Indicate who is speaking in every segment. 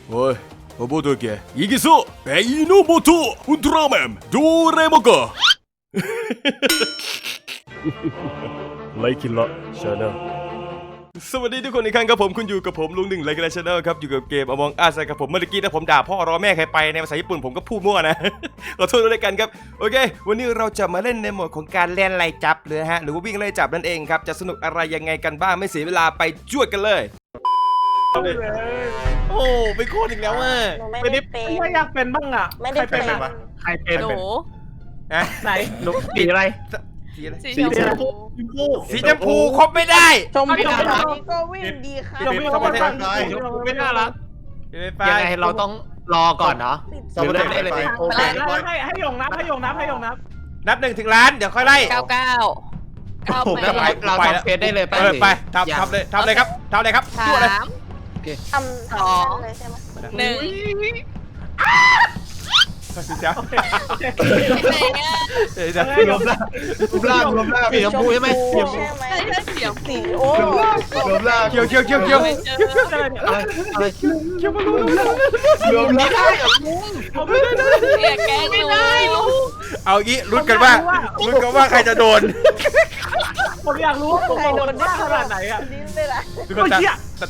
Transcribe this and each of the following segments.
Speaker 1: โอ้ยโบโตเกะイギソベイノモトウルトラマンドレモกะไลคินละชาแนลสวัสดีทุกคนอีกครั้งครับผมคุณอยู่กับผมลุงหนึ่งไลคินละชาแนลครับอยู่กับเกมAmong Usครับผมเมื่อกี้นะผมด่าพ่อรอแม่ใครไปในภาษาญี่ปุ่นผมก็พูดมั่วนะขอโทษด้วยกันครับโอเควันนี้เราจะมาเล่นในโหมดของการเล่นไล่จับเลยฮะหรือว่าวิ่งไล่จับนั่นเองครับจะสนุกอะไรยังไงกันบ้างไม่เสียเวลาไปจ้วดกันเลยโอ้ไปโคตรอีกแล้วอ่ะ
Speaker 2: ไม่ได้เป็น
Speaker 3: ไม่อยากเป็นบ้างอ่ะ
Speaker 2: ไม่ได้เป็น
Speaker 3: ใครเป็น
Speaker 4: หนู
Speaker 1: ฮะ
Speaker 3: ไหนหนูสีอะไร
Speaker 1: สีอะไร
Speaker 4: สีชมพู
Speaker 1: สีชมพูครบไม่ได้
Speaker 3: ชมพูน่ารัก
Speaker 2: ก็วิ่งดีค่ะ
Speaker 3: ชมพูไม่น่ารักชมพูไม่น่ารัก
Speaker 5: ยังไงเราต้องรอก่อนเนาะ
Speaker 2: สมมติ
Speaker 5: ได้เลย
Speaker 3: โอเคให้ยงนับให้ยงนับ
Speaker 1: นับ1 ถึงล้านเดี๋ยวค่อยไล่
Speaker 4: 99
Speaker 5: แล้วเราทำเฟซได้เลยป่ะ
Speaker 1: ไปทำเลยครับทำเลยครับจ้วดเลย
Speaker 2: ทำเลยใช่ไหม
Speaker 4: หนึ่ง
Speaker 1: เจ้า
Speaker 5: รวมร่างสีชมพูใช่ไหม
Speaker 2: ใช่ไหม
Speaker 4: ใช่เสียง
Speaker 2: สีโอ้
Speaker 5: รวมร่าง
Speaker 1: เกี่ยว
Speaker 5: รวมร่าง
Speaker 4: เสียแกงไม่ได้ลูก
Speaker 1: เอางี้ลุ้นกันว่าใครจะโดน
Speaker 3: ผมอยากรู้ผมโดนได้ขนาดไหนอ่ะ
Speaker 2: ดิ้นเลยล่ะ
Speaker 1: ทุกคนตาม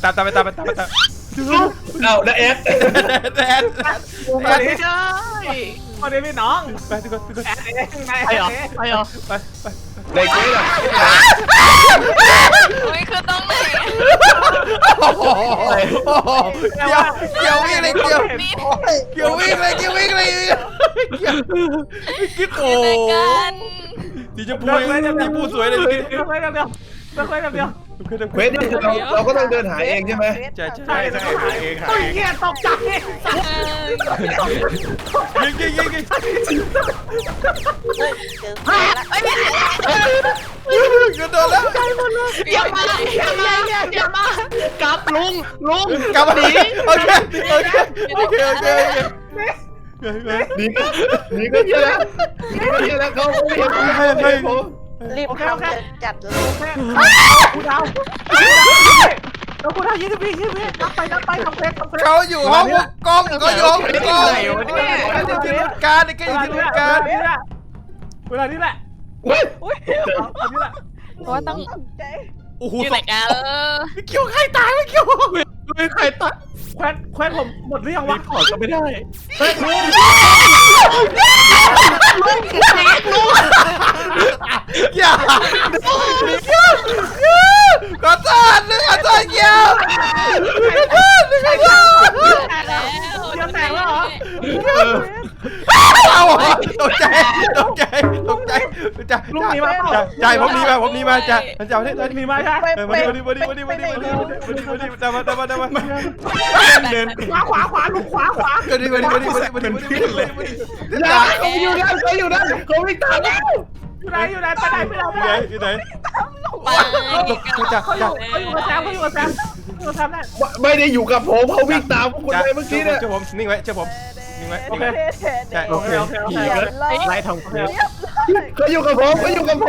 Speaker 5: เอาแล้วเอส
Speaker 1: แอน
Speaker 3: ไม่ใช่คนนี้พี่น้อง
Speaker 1: ไปทุกคน
Speaker 3: แอนเองไง
Speaker 5: ไปเหรอ
Speaker 1: ไป
Speaker 5: ในกุ้ยเหรอ
Speaker 4: โอ้ยคือต้องไหน
Speaker 1: โอ้โหเกี่ยววิ่งเลยเกี่ยววิ่งเลยกิ๊กโอ้
Speaker 4: ในกัน
Speaker 1: สีชมพูสีพูสวยเลย
Speaker 3: เดียว
Speaker 5: เควสนี่คือเราก็ต้องเดินหาเองใช่ไหม
Speaker 1: ใช่
Speaker 3: หาเงี้ยตกใจ
Speaker 1: ยิง
Speaker 2: เจอคนละ
Speaker 1: กระโดดแล้ว
Speaker 4: อย่ามากลับลุง
Speaker 1: กลับมาดีโอเค
Speaker 5: นี่ก็เยอะแล้วเขาไม่ผม
Speaker 2: รีบทำจัดเลย
Speaker 3: กูดาว20 วินับไปทำเฟส
Speaker 1: เขาอยู่ห้องกล้องก็ยกกล้องการในการอยู่ที่การ
Speaker 3: เวลานี้แหละ
Speaker 4: เพราะว่าต้อง
Speaker 2: ใจ
Speaker 1: โอ้โห
Speaker 4: อยู่ไหนกัน
Speaker 1: ไม่เกี่ยวใครตายไม่เกี่ยว
Speaker 5: ไม่ใครตัด
Speaker 3: แควนผมหมดหรือยังวะ
Speaker 5: ขอก็ไม่ได้
Speaker 1: อย่าขอโทษเกี่ยว
Speaker 4: แล้ว
Speaker 3: ยังแตกแล้วเหรอ
Speaker 1: เอาตกใจ
Speaker 3: ลุงหนีมา
Speaker 1: ใจผมหนีมาจ้ะมันจะเอาได้
Speaker 3: หนีมาใช่
Speaker 1: มาตามมาเดิน
Speaker 3: ขวาลุงขวา
Speaker 1: เดินมาเลย
Speaker 5: เขาอยู่นั่นเขาไม่ตัดแล้ว
Speaker 3: อยู่ไหนไปไหน
Speaker 1: อยู่ไหน
Speaker 4: ไป
Speaker 3: เขาอยู่กับแซมได้
Speaker 5: ไม่ได้อยู่กับผมเขาวิ่งตามพวกคุณไปเมื่อกี้เนี่ย
Speaker 1: เจ้าผมนิ่งไว้โอเค
Speaker 3: โอเค
Speaker 5: ไล่ทำ
Speaker 3: โอเค
Speaker 5: เขาอยู่กับผมเขาอยู่กับผม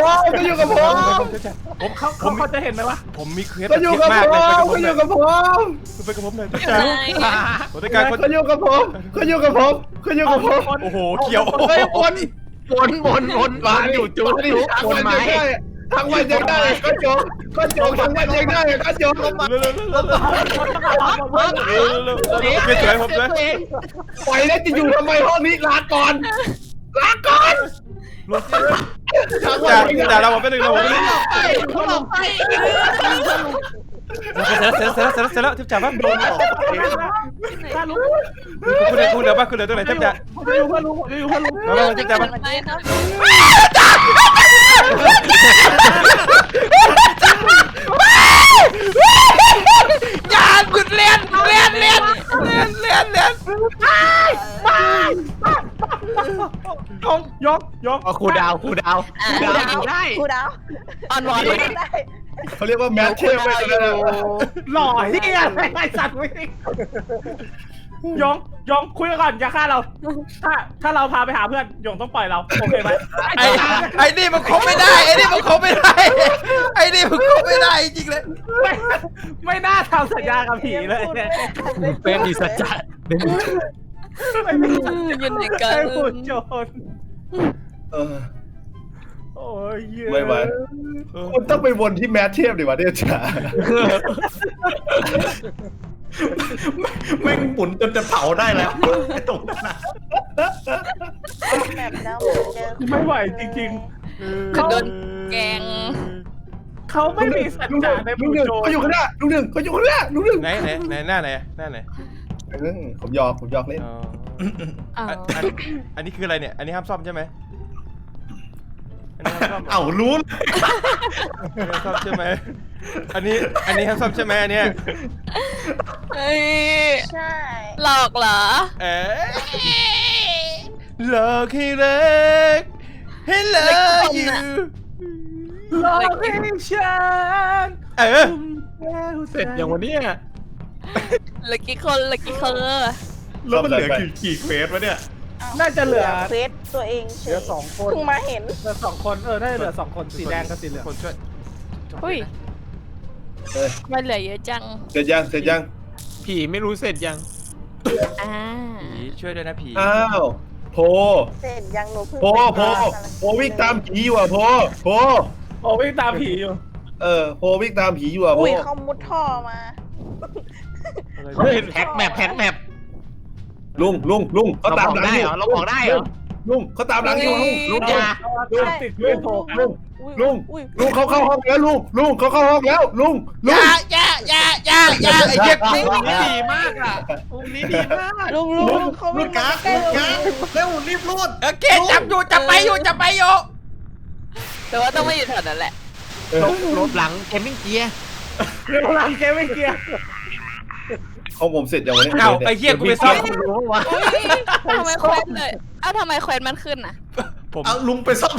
Speaker 3: เขาจะเห็นไหมวะ
Speaker 1: ผมมีเคล็ด
Speaker 5: เขาอยู่กับผมเขาอยู่กับผม
Speaker 1: ไปกับผมเลย
Speaker 4: อยู่ไหน
Speaker 1: ผมต้องการคน
Speaker 5: เขาอยู่กับผมเขาอยู่กับผมเขาอยู่กับผม
Speaker 1: โอ้โหเกี่ยว
Speaker 5: เฮ้ยวนวางอยู่จุดที่วนไม้ทั้งวันยังได้ก็โจทั้งวันยังได้ก็โจเข้ามา
Speaker 1: ไม่สวยผมเลย
Speaker 5: ปล่อยแล้วจะอยู่ทำไมห้องนี้ลาก่อน
Speaker 1: จ่าเราผมไปหนึ่งเราผมไปหนึ่ง
Speaker 5: เขาหลบไป
Speaker 1: เสร็จแล้วทิพย์จ่าบ้างโดน
Speaker 3: ถ้าลุง
Speaker 1: คุณเหลือตรงไหนทิพย์จ่า
Speaker 3: อยู่เพื่อนลุงอยู่เพื่อนลุง
Speaker 1: มาทิพย์จ่าบ้าง
Speaker 4: ไปครับ
Speaker 1: อย่าหยุดเรียน
Speaker 3: ยก
Speaker 5: ครูดาว
Speaker 2: ได้
Speaker 4: อ่ะ
Speaker 2: กูดาว
Speaker 4: ออนวอน
Speaker 2: ได้
Speaker 5: เขาเรียกว่าแมทเทลไปเลย
Speaker 3: หล่อที่ไอสัตว์วิ่งยงคุยก่อนอย่าฆ่าเราถ้าเราพาไปหาเพื่อนยงต้องปล่อยเราโอเคไหม
Speaker 1: ไอ้นี่มันคบไม่ได้จริงเลย
Speaker 3: ไม่น่าทำสัญญากับผีเลย
Speaker 5: เป็นดีสัจจะ
Speaker 4: อยู่ในกั
Speaker 3: ใช่
Speaker 4: น
Speaker 3: หุ่นโจร
Speaker 5: เออ
Speaker 3: โอ้ยเหี้ย
Speaker 5: ไม่ไหว มันต้องไปวนที่แมทเทพดิวะเนี่ยจ๋า
Speaker 6: แม่งหมุนจนจะเผาได้แล้วไอ้ตรงนั้น
Speaker 2: แบบแล้วเหมือนเจอ
Speaker 3: ไม่ไหวจริง
Speaker 4: คือโดนแกง
Speaker 3: ๆเขาไม่มีสัจ
Speaker 5: ลุงห
Speaker 3: จะ
Speaker 5: นึ่ง
Speaker 3: ใน
Speaker 5: ลุ
Speaker 3: หุ่
Speaker 5: ง
Speaker 3: น
Speaker 5: หนึ่ง
Speaker 3: โจร
Speaker 5: เขาอยู่ข้างหน้าลุงหนึ่งเขาอยู่ข้างหน้าลุงหนึ่ง
Speaker 1: ไหนหน้าไหนหน้าไหน
Speaker 5: ผมหยอกเล่น
Speaker 1: อ๋อ
Speaker 4: อ้าว
Speaker 1: อันนี้คืออะไรเนี่ยอันนี้ห้ามซ่อมใช่ไหมอันนี้ห้ามซ่อม
Speaker 6: เอ้ารู้
Speaker 1: ห้ามซ่อมใช่ไหมอันนี้ห้ามซ่อมใช่ไหมอันเนี้ย
Speaker 4: เฮ้ย
Speaker 2: ใช่
Speaker 4: หลอกเหรอ
Speaker 1: เอ๊ะหลอกให้รักให้เลิกอยู่
Speaker 3: หลอกให้ฉัน
Speaker 1: เออ
Speaker 5: เสร็จอย่างวันนี้
Speaker 4: เหลือกี่คนเหลือกี่คน
Speaker 6: แล้วมันเหลือกี่เฟสวะเนี่ย
Speaker 3: น่าจะเหลือ
Speaker 2: เฟซตัวเองเฉ
Speaker 3: เหลือย 2 คน
Speaker 2: เพิ่งมาเห็น
Speaker 3: เหลือ2 คนน่าจะเหลือ2 คนสีแดงกับสีเหลือง
Speaker 1: คนช่วย
Speaker 4: อุ้ย
Speaker 5: เอ้ย
Speaker 4: มันเหลือเยอะจัง
Speaker 5: เสร็จยัง
Speaker 7: ผีไม่รู้เสร็จยัง
Speaker 4: อ่า
Speaker 1: ผีช่วยด้วยนะผี
Speaker 5: อ้าวโพ
Speaker 2: เสร็จยังหนูเพิ่ง
Speaker 5: โพวิ่งตามผีอยู่อ่ะโพ
Speaker 3: โอ้วิ่งตามผีอยู่
Speaker 5: โพวิ่งตามผีอยู่อ่ะโพ
Speaker 2: อุ้ยเขามุดท่อมา
Speaker 7: เฮ้ยแพ็กแมป
Speaker 5: ลุงเขา
Speaker 7: เรา
Speaker 5: ตาม
Speaker 7: บอก
Speaker 5: หลัง
Speaker 7: ได้
Speaker 5: อยู่
Speaker 7: เหรอเราบอกได้เหรอ
Speaker 5: ลุงเขาตามหลังอยู่ลุง
Speaker 7: อย่า
Speaker 3: ตามติดด้วยโทรกัน
Speaker 5: ลุงเขาเข้าห้องแล้วลุงเขาเข้าห้องแล้วลุง
Speaker 1: อย่าไอ้เหี้ย
Speaker 7: มุมนี้ดีมากอ่ะมุมนี้ดีมาก
Speaker 2: ลุงเขา
Speaker 6: รู
Speaker 2: วิ่
Speaker 6: ด
Speaker 2: ง
Speaker 6: การ์ด
Speaker 2: ใกล้
Speaker 6: รูด
Speaker 2: เรา
Speaker 6: การ์ดเร็วรีบรูด
Speaker 1: โอเคจับไปอยู่
Speaker 4: แต่ว่าต้องมาอยู่แถวนั้นแหละ
Speaker 7: ลบหลังเกมมิ่งเกียร์
Speaker 3: เรื่องราวเกมไม่เกียร์
Speaker 5: ของผมเสร็จอย่างวันนี้
Speaker 1: เอ้าไอ้เหี้ยกูไปซ่อม
Speaker 7: รู้วะ
Speaker 4: ทำไมเควสเลยเอ้าทำไมเควสมันขึ้นอ่ะ
Speaker 1: ผม
Speaker 6: เอาลุงไปซ่อม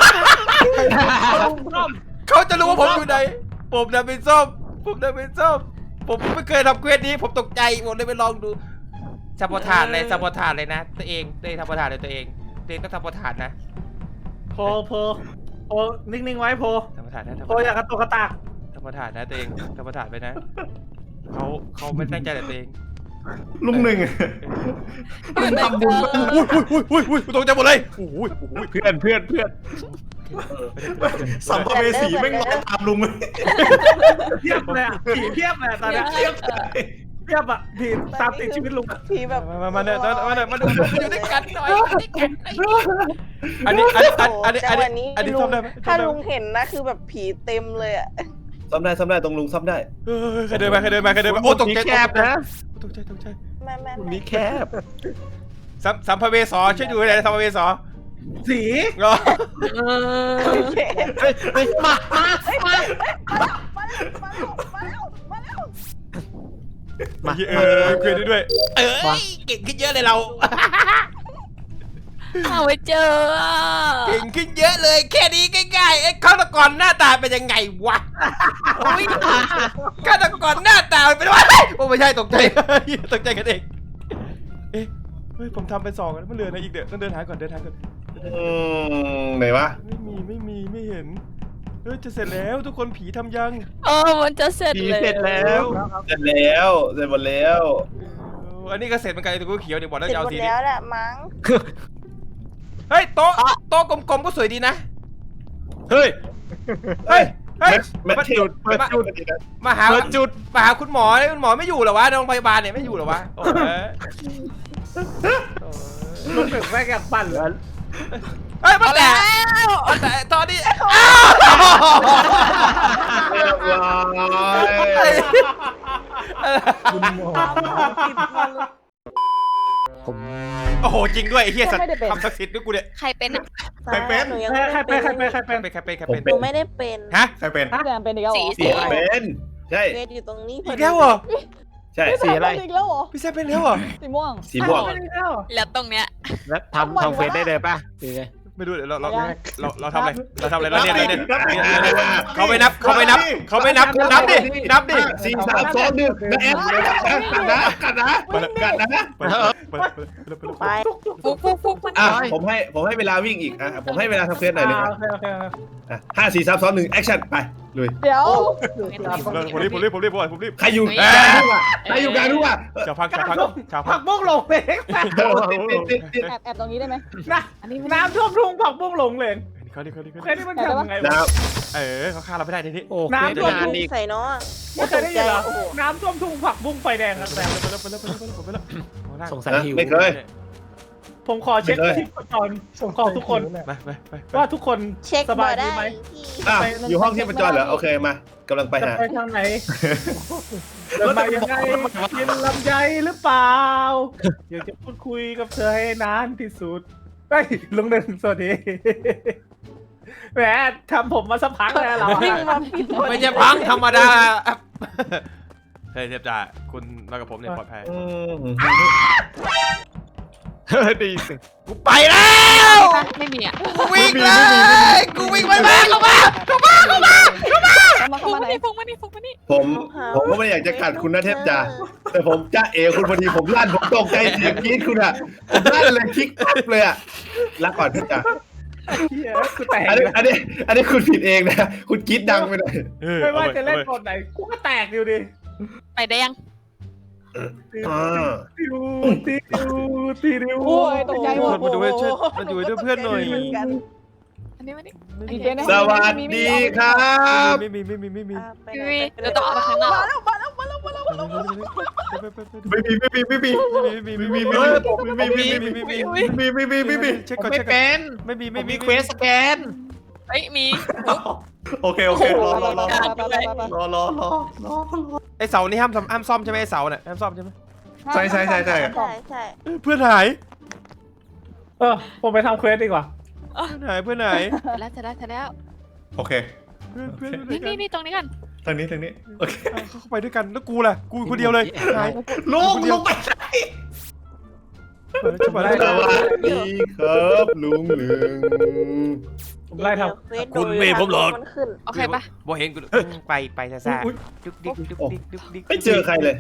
Speaker 1: เขาจะรู้ว่าผมอยู่ไหนผมจะไปซ่อมผมไม่เคยทำเควสนี้ผมตกใจผมเลยไปลองดูซัพพอร์ตเลยนะตัวเองทำพอร์ตเลยตัวเองต้องทำพอร์ตนะ
Speaker 3: โพนิ่งๆไว้โพ
Speaker 1: ทำพอร์ตนะ
Speaker 3: โพอย่ากระตุกกระตาก
Speaker 1: ทำพอร์ตนะตัวเองทำพอร์ตไปนะเขาไม่ตั้งใจแต่ตัวเอง
Speaker 6: ลุงหนึ่งลุงทำบุญบ้าง
Speaker 1: อุ้ยตกใจหมดเลยโอ้ย
Speaker 7: เพื่อน
Speaker 6: สัมภเวสีแม่งรอตามลุงเลย
Speaker 3: เทียบเลยอ่ะผีเทียบเลยตอนนี้เทียบอ่ะผีตามติดชีวิตลุง
Speaker 2: ผีแบบ
Speaker 1: มาดูอยู่ด้วยกันหน่อยอันนี้
Speaker 2: จังหวะนี้
Speaker 1: ซ่อมได้ไหม
Speaker 2: ถ้าลุงเห็นนะคือแบบผีเต็มเลยอะ
Speaker 5: ซ่อมได้ตรงลุงซ่อมได้
Speaker 1: ใครเดินมาโอ้ตกใจ
Speaker 7: แคบนะ
Speaker 1: ตกใจ
Speaker 2: แม่
Speaker 7: มุมนี้แคบ
Speaker 1: สัมภเวสช่วยดูหน่อยสัมภเวส
Speaker 3: สี
Speaker 1: ก็
Speaker 2: โอเค
Speaker 7: เฮ้ยมา
Speaker 2: มาแล้ว
Speaker 1: คุยได้ด้วยเก่งขึ้นเยอะเลยเรา
Speaker 4: เอาไว้เจอ
Speaker 1: เก่งขึ้นเยอะเลยแค่นี้ง่ายๆไอ้ฆาตกรหน้าตาเป็นยังไงวะฆาตกรหน้าตาเป็นว่าโอ้ไม่ใช่ตกใจกันเองเฮ้ยผมทำไป2แล้วมันเหลืออะไรอีกเดี๋ยวต้องเดินหาก่อน
Speaker 5: ไหนวะ
Speaker 1: ไม่เห็นจะเสร็จแล้วทุกคนผีทำยัง
Speaker 4: มันจะเสร็จ
Speaker 7: ผี
Speaker 4: เลย
Speaker 7: เสร็จแล้ว
Speaker 5: เสร็จหมดแล้ว
Speaker 1: อันนี้ก็เสร็จเหมือนกันตัวกูเขียวเดี๋ยวบอกแล้ว
Speaker 2: เสร็จ
Speaker 1: จะ
Speaker 2: หม
Speaker 1: เอา
Speaker 2: ด
Speaker 1: สีนี้
Speaker 2: แล้วแหละมั้ง
Speaker 1: เฮ้ยโต๊ะกลมๆก็สวยดีนะ
Speaker 7: เฮ้ย
Speaker 5: แมทเทลเปิดจุด
Speaker 1: มาหาคุณหมอไม่อยู่เหรอวะโรงพยาบาลเนี่ยไม่อยู่เหรอวะโอ้ย
Speaker 3: ลุงถึงแม่งอยากปั่นเลย
Speaker 1: เฮ้ยมาแต่ตอนนี้
Speaker 5: เรียบร้อย
Speaker 1: โอ้โหจริงด้วยไอ้เหี้ยสัตว์ทำศักดิ์สิทธิ์ด้วยกูเนี่ย
Speaker 4: ใครเป็นอ่ะ
Speaker 6: ใครเป็น
Speaker 2: หนูยัง
Speaker 3: ใครเป็น
Speaker 2: หนูไม่ได้เป็น
Speaker 1: ฮะ
Speaker 6: ใครเป็น
Speaker 4: สี
Speaker 5: เป็นใช่
Speaker 2: เวทอยู่ตรงนี้
Speaker 1: อีกแล้วเหรอ
Speaker 5: ใช่
Speaker 7: สีอะไร
Speaker 1: พี่แซมเป็นแล้วเหรอ
Speaker 5: สีม่วง
Speaker 4: แล้วตรงเนี้ย
Speaker 7: แล้วทำเฟซได้เลยป่ะสีไง
Speaker 1: ไม่ดูเดี๋ยวเราทำอะไรเราเนี่ยเขาไม่นับนับดิ
Speaker 5: 4 3 2 1กันนะ
Speaker 2: ไป
Speaker 4: ฟุกมัน
Speaker 5: ผมให้เวลาวิ่งอีกผมให้เวลาทำเควสหน่อยนึง
Speaker 3: โอเค
Speaker 5: 5 4 3 2 1แอคชั่นไปลุย
Speaker 2: เดี๋ยว
Speaker 1: ผมรีบผมรีบ
Speaker 5: ใครอยู่กลางทุ่งอ่ะใครอยู่กลางทุ่งอ่ะ
Speaker 1: ชาวพัก
Speaker 3: ผักบุ้งหลงเหลง
Speaker 5: ติด
Speaker 2: แอบตรงนี้ได้ไหม
Speaker 3: น้ำท่วมทุ่งผักบุ้งหลงเหลง
Speaker 1: เขาดิ
Speaker 3: เคยได้มันทำยังไง
Speaker 5: น้
Speaker 1: เขาฆ่าเราไม่ได้ทีนี้
Speaker 7: โอ้
Speaker 3: น้ำท่วม
Speaker 7: นาน
Speaker 3: ทุ่ง
Speaker 7: อีก
Speaker 2: ใส่เนาะ
Speaker 3: เคยได้ยินเหรอน้ำท่วมทุ่งผักบุ้งไฟแดงครับแต่
Speaker 1: ไปแล้ว
Speaker 7: สงสัยหิว
Speaker 5: ไม่เคย
Speaker 3: ผมขอเช็คชีพจรผมขอทุกคน
Speaker 1: ไป
Speaker 3: ว่าทุกคน
Speaker 2: เช็ค
Speaker 3: สบาย
Speaker 2: ได้
Speaker 3: ดีไหม
Speaker 5: อ้าวอยู่ห้องที่ประจรเหรอโอเคมากำลังไป
Speaker 3: จะ
Speaker 5: หา
Speaker 3: ไปทางไหนเดินมายังไงกินลำไยหรือเปล่าอยากจะพูดคุยกับเธอให้นานที่สุดเฮ้ยลุงหนึ่งสวัสดีแหมทำผมมาสักพักแล้วเรา
Speaker 2: วิ่งมาผิด
Speaker 1: ไม่ใช่พังธรรมดาเฮ้ยเทพจ่าคุณมากับผมเนี่ยปลอดภัย
Speaker 7: ดีสิ
Speaker 1: กูไปแล้ว
Speaker 4: ไม่มีอ่ะ
Speaker 1: กูวิ่งเลยกูวิ่งไปบ้านเข้ามา
Speaker 4: ฟุกมานี่ฟุกมานี่
Speaker 5: ผมก็ไม่ได้อยากจะกัดคุณนะเทพจ่าแต่ผมจ้าเอคุณพอดีผมลั่นผมตกใจเสียงกรี๊ดคุณอ่ะผมลั่นเลยคลิกปั๊บเลยอ่ะรักก่อนเทพจ่า
Speaker 3: กูแตก
Speaker 5: อันนี้คุณผิดเองนะคุณกรี๊ดดังไปหน่อย
Speaker 3: ไม่ว่าจะเล่นบทไหนกูก็แตกอยู่ดิ
Speaker 4: ไปได้ยัง
Speaker 3: ติวติว
Speaker 2: โอ้ยตกใจหมด
Speaker 1: มาดูช่วยมาอยู่ด้วยเพื่อนหน่อย
Speaker 4: อันนี้มาดิ
Speaker 5: สวัสดีครับ
Speaker 1: ไม่มี
Speaker 4: เดี๋ยวต้องออกมาข้างนอก
Speaker 5: ไม่
Speaker 1: เช็คก่อน
Speaker 7: ไม่เป็น
Speaker 1: ไม่มี
Speaker 7: เควสสแกน
Speaker 4: เฮ้ยมี
Speaker 6: โอเครอ
Speaker 1: ไอเสานี่ห้ามซ่อมใช่ไหมไอเสาเนี่ยห้ามซ่อมใช่ไหม
Speaker 6: ใช่
Speaker 2: ใช่
Speaker 1: เพื่อนหาย
Speaker 3: ผมไปทำเควสดีกว่า
Speaker 1: เพื่อนหาย
Speaker 4: แล้วจะแล้ว
Speaker 6: โอเค
Speaker 1: เพื่อน
Speaker 4: นี่ตรงนี้กัน
Speaker 6: ทางนี้โอเค
Speaker 1: เข้าไปด้วยกันแล้วกูล่ะกูคนเดียวเลยหาย
Speaker 6: ลุงไปไหน
Speaker 1: จะมาได้
Speaker 5: สวัสดีครับลุงหนึ่ง
Speaker 3: ผมไล่ทำ
Speaker 4: โอเคปะ
Speaker 1: บ่เห็นกูไปซ่าดุกดิก
Speaker 5: ไม่เจอใครเลย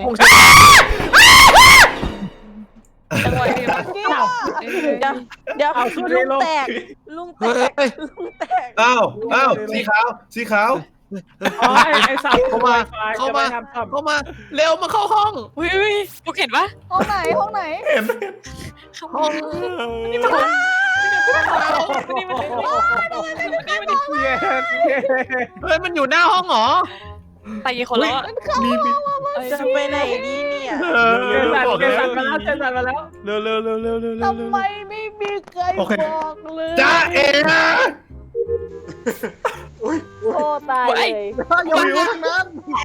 Speaker 4: จังหวะนี้
Speaker 2: เดี๋ยวลุงแตก
Speaker 5: อ้าวสีขาว
Speaker 3: อ๋อไอ้สัตว์
Speaker 7: เข้ามาเร็วมาเข้าห้อง
Speaker 4: อุ้ยฟุกเห็นปะ
Speaker 2: ห้องไหน
Speaker 4: ห้องนี่มานี่มา
Speaker 7: เฮ้ยมันอยู่หน้าห้องเหรอ
Speaker 4: ไปกี่คนแล้ว
Speaker 2: จะไปไหนดีเนี่ย
Speaker 3: เจสันมาแล้ว
Speaker 1: เร็ว
Speaker 2: ทำไมไม่มีใครบอกเลย
Speaker 5: จ้าเอ๋
Speaker 2: โอ้ตายเลย
Speaker 3: อยู่ทางนั้น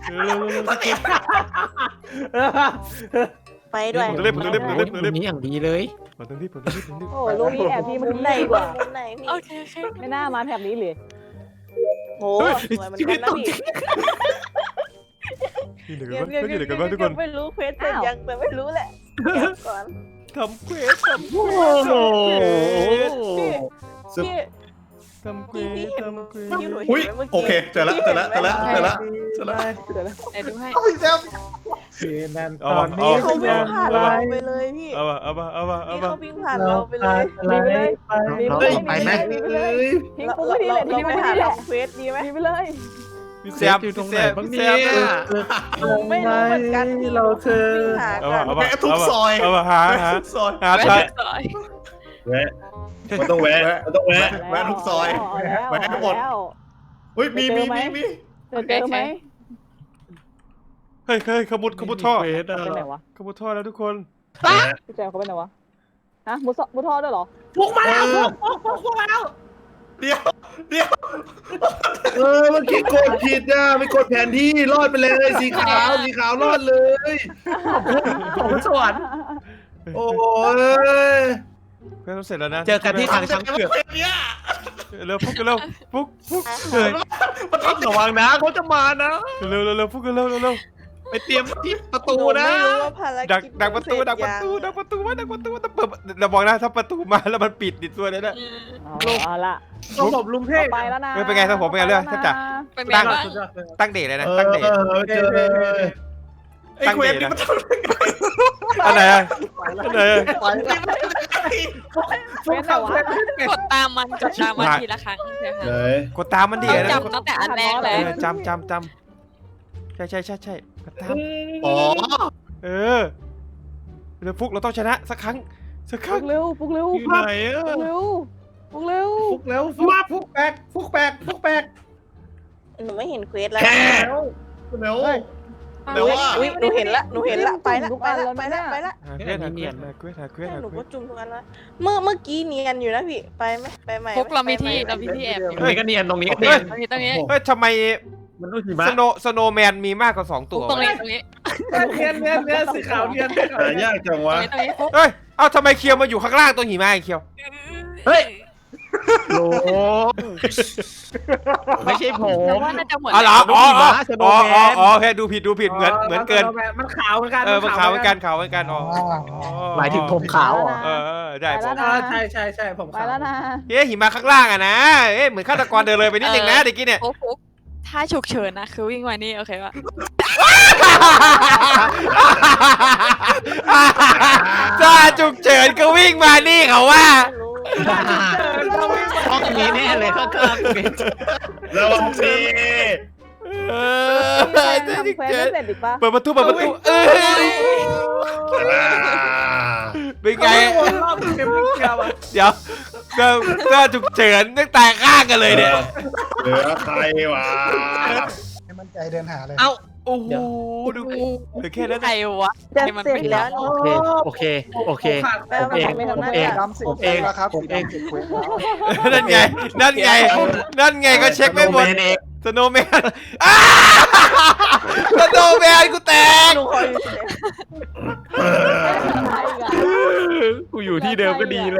Speaker 2: ไปด้วย
Speaker 1: ผมเรียบ
Speaker 7: นี้อย่างดีเลย
Speaker 1: มาตรงนี้
Speaker 2: โอ้ลูกนี้แอบพี่มันไหนกว่าไหนพี่
Speaker 4: โอเค
Speaker 2: ไม่น่ามาแถบนี้เลยโอ้สวยมันกันนะพี่
Speaker 1: นี่เดี๋ยวกันบ้างทุกคน
Speaker 2: ไม่รู้เควสเสร็จยังแต่ไม่รู้แหละก่อน
Speaker 1: ทำเควส
Speaker 7: โอ้โห
Speaker 2: พี่
Speaker 1: ทำเควส
Speaker 6: อุ้ยโอเคเจอแล้ว
Speaker 4: เดี๋ยวดูให้
Speaker 3: นั่นตอนนี้
Speaker 2: เขาวิ่งผ่านเราไปเลยพี่
Speaker 1: เอา
Speaker 2: พี่เขาวิ่งผ่านเราไปเลย
Speaker 7: ไปไหม
Speaker 2: ทิ้งปุ๊บนี่แหละทิ้งไปหาทำเควสดีไหมไปเลย
Speaker 1: พี่แซม
Speaker 7: อยู่ตรงไหนบ้าง
Speaker 1: พี่
Speaker 7: เนี่
Speaker 1: แซ
Speaker 7: ย
Speaker 1: ม
Speaker 2: ไม่รู้เหมือนกันที่
Speaker 3: เราเธอ
Speaker 2: วิ่งหากัน
Speaker 6: แวะทุกซอย
Speaker 1: เอาหา
Speaker 6: ทุกซอย
Speaker 1: หา
Speaker 4: ไป
Speaker 1: ทาง
Speaker 4: สอย
Speaker 5: แวะมันต้องแวะ
Speaker 6: แวะทุกซอยแวะหมดอุ้ยมี
Speaker 2: เจอไหม
Speaker 1: เฮ้ยขมุดท่อ
Speaker 7: เควสอะ
Speaker 2: เป็นไหนวะ
Speaker 1: ขมุดท่อแล้วทุกคน
Speaker 2: พี่แจมเขาเป็นไหนวะฮะมุทอด้วยเหรอ
Speaker 3: พวกมาแล้วพวกแล้ว
Speaker 6: เดี๋ยว
Speaker 5: เมื่อกี้กดผิดนะไม่กดแผนที่รอดไปเลยสีขาวรอดเลย
Speaker 3: ของสวรรค์
Speaker 5: โอ้ย
Speaker 1: เควสเสร็จแล้วนะ
Speaker 7: เจอกันที่ทางช้างเผือก
Speaker 1: เร็วฟุกฟุก
Speaker 7: มันต้องระวังนะเขาจะมานะ
Speaker 1: เร็วฟุกเร็ว
Speaker 7: ไปเตรียมที่ประตูนะ
Speaker 2: ไม่รู้ว่าภารกิจ
Speaker 1: ดักประตูต้องเปิดเราบอกนะถ้าประตูมาแล้วมันปิดติดตัวเลยนะ
Speaker 2: เอาละ
Speaker 3: ต้องผมลุงเทพ
Speaker 2: ไปแล้วนะ
Speaker 1: เป็นไงถ้าผมเป็นไงเรื่องแทบจะ
Speaker 4: เป็นไงบ้าง
Speaker 1: ตั้งเดทเลยนะตั้งเดท
Speaker 5: เจอ
Speaker 6: ไอ้เควสนี่มันทำ
Speaker 1: อะไร
Speaker 3: ฟุกทำเควส
Speaker 4: กดตามมันทีละครั้งเดี๋ยว
Speaker 5: ไหน
Speaker 4: ค่ะ
Speaker 1: กดตามมันดี
Speaker 4: ต้อง
Speaker 1: นะ
Speaker 4: จำตั้งแต่อันแรกเลย
Speaker 1: จำใช่กดตาม
Speaker 7: อ๋อ
Speaker 1: เออเดี๋ยวฟุกเราต้องชนะสักครั้ง
Speaker 2: ปลุกเร็ว
Speaker 7: อยู่ไหนอะ
Speaker 2: ปลุกเร็ว
Speaker 3: ฟุกเร็วฟุกแบก
Speaker 2: หนูไม่เห็นเควสแล้ว
Speaker 5: แค่
Speaker 6: เร็ว
Speaker 7: แต่ว่า
Speaker 2: อุ๊ยหนูเห็นละไปละ
Speaker 1: หาเควส
Speaker 2: หนูก็จุ่มทุกอันละเมื่อกี้เนียนอยู่นะพี่ไปไหมไปใหม่
Speaker 4: พวกเรามีที่แอบอยู่
Speaker 7: ตรงนี้ก็เนียนตรงนี้ก็เนียน
Speaker 4: ตรงนี้
Speaker 1: เฮ้ยทำไม
Speaker 7: มันต้องหิมะ
Speaker 1: สโนว์แมนมีมากกว่า2ตัว
Speaker 4: ตรงนี้
Speaker 3: เนียนสีขาวเนียน
Speaker 5: หายากจังวะ
Speaker 4: ตรงนี้
Speaker 1: เฮ้ยเอ้าทำไมเคียวมาอยู่ข้างล่างตัวหิมะไอ้เคียว
Speaker 7: เฮ้ยโลไม่ใช่ผม
Speaker 4: ว่าน่าจะเหมือน
Speaker 1: อ๋อเหรออ๋อ
Speaker 7: สโนว์แมน
Speaker 1: โอเคดูผิดเหมือนเกิน
Speaker 3: มันขาวเหมือนกัน
Speaker 1: มันขาวเหมือนกันอ๋อ
Speaker 7: หมายถึงผมขาวเหรอ
Speaker 1: ได้ผม
Speaker 3: ใช่ผม
Speaker 2: ไปแล้วนะ
Speaker 1: เฮ้ยหิมะข้างล่างอะนะเอ๊ะเหมือนฆาตกรเดินเลยไปนิดนึงนะเด็กกี้เนี่ย
Speaker 4: ฟุกถ้าฉุกเฉินนะคือวิ่งมานี่โอเคป่ะ
Speaker 1: ถ้าฉุกเฉินก็วิ่งมานี่เขาว่า
Speaker 7: ห้องนี้แน่เลยข้างๆตรงนี้
Speaker 5: ระวังสิ
Speaker 2: ทำเควสไม่เสร็จอีกปะ
Speaker 1: เปิดประตูเป็นไง
Speaker 3: รอบเต็มเกียวอ่ะ
Speaker 1: เดี๋ยวถ้าฉุกเฉินตั้งแต่ข้างกันเลยเนี่ย
Speaker 5: เหลือใครวะ
Speaker 8: ให้มั่นใจเดินหาเลย
Speaker 7: เอ้า
Speaker 1: โอ้โหดูเหลือแค่นั้น
Speaker 4: ใครวะ
Speaker 2: จะเสร็จแล้ว
Speaker 7: โอเค
Speaker 2: แปลว่าไม่ทำหน้าที่
Speaker 8: ดำสิบเองแล้วครับสีดำสิบเควสแล้ว
Speaker 1: นั่นไงก็เช็คไม่หมด
Speaker 7: เอง
Speaker 1: สโนว์แมนสโนว์แมนกูแตก
Speaker 2: หนูคอยอยู่
Speaker 7: กูอยู่ที่เดิมก็ดีเลย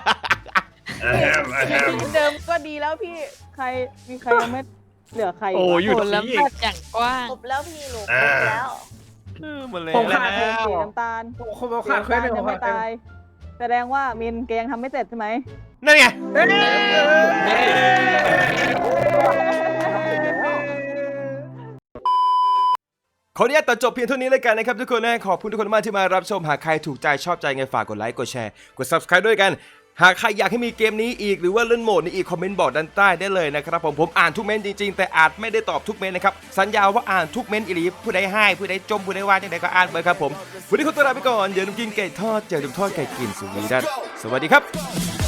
Speaker 2: เดิมก็ดีแล้วพี่มีใครยังไม่เหลือใคร
Speaker 7: โอ้อยู่
Speaker 4: โห
Speaker 7: ตรง
Speaker 4: แล้ว
Speaker 7: นี้
Speaker 4: แบบอย่างกว้าง
Speaker 2: ครบแล้วพี่หนูครบแล้ว
Speaker 1: มันเลย
Speaker 3: ผม
Speaker 1: แล้ว
Speaker 3: ขาด
Speaker 2: สีน้ำตาล
Speaker 3: ผมขาดเควสเลย
Speaker 2: ยังไม่ตายแสดงว่ามินแกยังทำไม่เสร็จใช่ไหม
Speaker 1: นั่นไงขออนุญาตตัดจบเพียงเท่านี้เลยกันนะครับทุกคนนะขอบคุณทุกคนมากที่มารับชมหากใครถูกใจชอบใจไงฝากกดไลค์กดแชร์กด Subscribe ด้วยกันหากใครอยากให้มีเกมนี้อีกหรือว่าเล่นโหมดนี้อีกคอมเมนต์บอกด้านใต้ได้เลยนะครับผมอ่านทุกเมนต์จริงๆแต่อาจไม่ได้ตอบทุกเมนต์นะครับสัญญาว่าอ่านทุกเมนต์อีหลีผู้ใดให้ผู้ใดจมผู้ใดว่าจังใดก็อ่านไปครับผมวันนี้ขอตัวลาไปก่อนอย่าลืมกินไก่ทอดอย่าลืมทอดไก่กินสุวีดันสวัสดีครับ